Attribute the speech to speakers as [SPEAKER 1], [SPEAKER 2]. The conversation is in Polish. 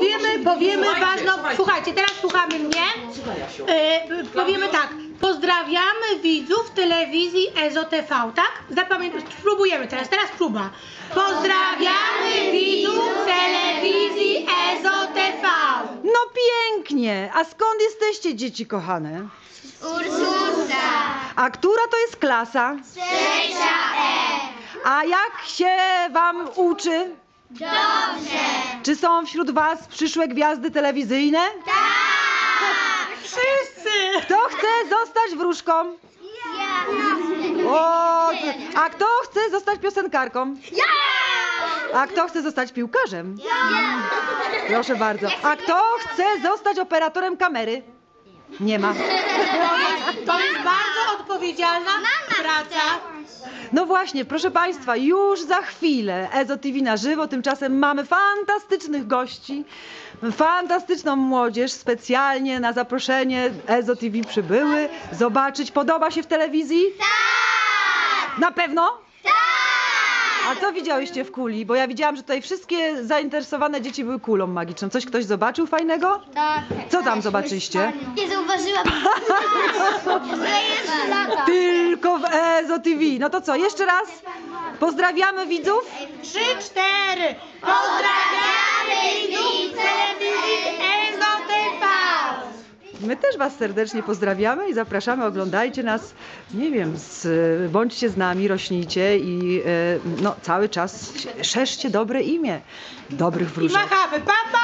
[SPEAKER 1] powiemy ważną... Słuchajcie, teraz słuchamy mnie. Powiemy tak. Pozdrawiamy widzów telewizji EZO TV, tak? Spróbujemy teraz próba. Pozdrawiamy widzów telewizji EZO TV.
[SPEAKER 2] No pięknie! A skąd jesteście, dzieci kochane?
[SPEAKER 3] Ursusa.
[SPEAKER 2] A która to jest klasa?
[SPEAKER 3] 6E.
[SPEAKER 2] A jak się wam uczy?
[SPEAKER 3] Dobrze.
[SPEAKER 2] Czy są wśród was przyszłe gwiazdy telewizyjne?
[SPEAKER 3] Tak.
[SPEAKER 1] Wszyscy!
[SPEAKER 2] Kto chce zostać wróżką?
[SPEAKER 3] Ja.
[SPEAKER 2] O, a kto chce zostać piosenkarką?
[SPEAKER 3] Ja.
[SPEAKER 2] A kto chce zostać piłkarzem?
[SPEAKER 3] Ja.
[SPEAKER 2] Proszę bardzo. A kto chce zostać operatorem kamery? Nie ma.
[SPEAKER 1] To jest bardzo odpowiedzialna praca.
[SPEAKER 2] No właśnie, proszę Państwa, już za chwilę EZO TV na żywo, tymczasem mamy fantastycznych gości, fantastyczną młodzież, specjalnie na zaproszenie EZO TV przybyły zobaczyć. Podoba się w telewizji?
[SPEAKER 3] Tak.
[SPEAKER 2] Na pewno?
[SPEAKER 3] Tak.
[SPEAKER 2] A co widziałyście w kuli? Bo ja widziałam, że tutaj wszystkie zainteresowane dzieci były kulą magiczną. Coś ktoś zobaczył fajnego?
[SPEAKER 3] Tak.
[SPEAKER 2] Co tam zobaczyliście?
[SPEAKER 3] Nie zauważyłam. Że jest lata.
[SPEAKER 2] Tylko w EZO TV. No to co, jeszcze raz pozdrawiamy widzów.
[SPEAKER 1] 3, 4. Pozdrawiamy widzów telewizji EZO TV.
[SPEAKER 2] My też was serdecznie pozdrawiamy i zapraszamy, oglądajcie nas, nie wiem, bądźcie z nami, rośnijcie i no, cały czas szerzcie dobre imię dobrych
[SPEAKER 1] I
[SPEAKER 2] wróżek.
[SPEAKER 1] machamy. Pa, pa!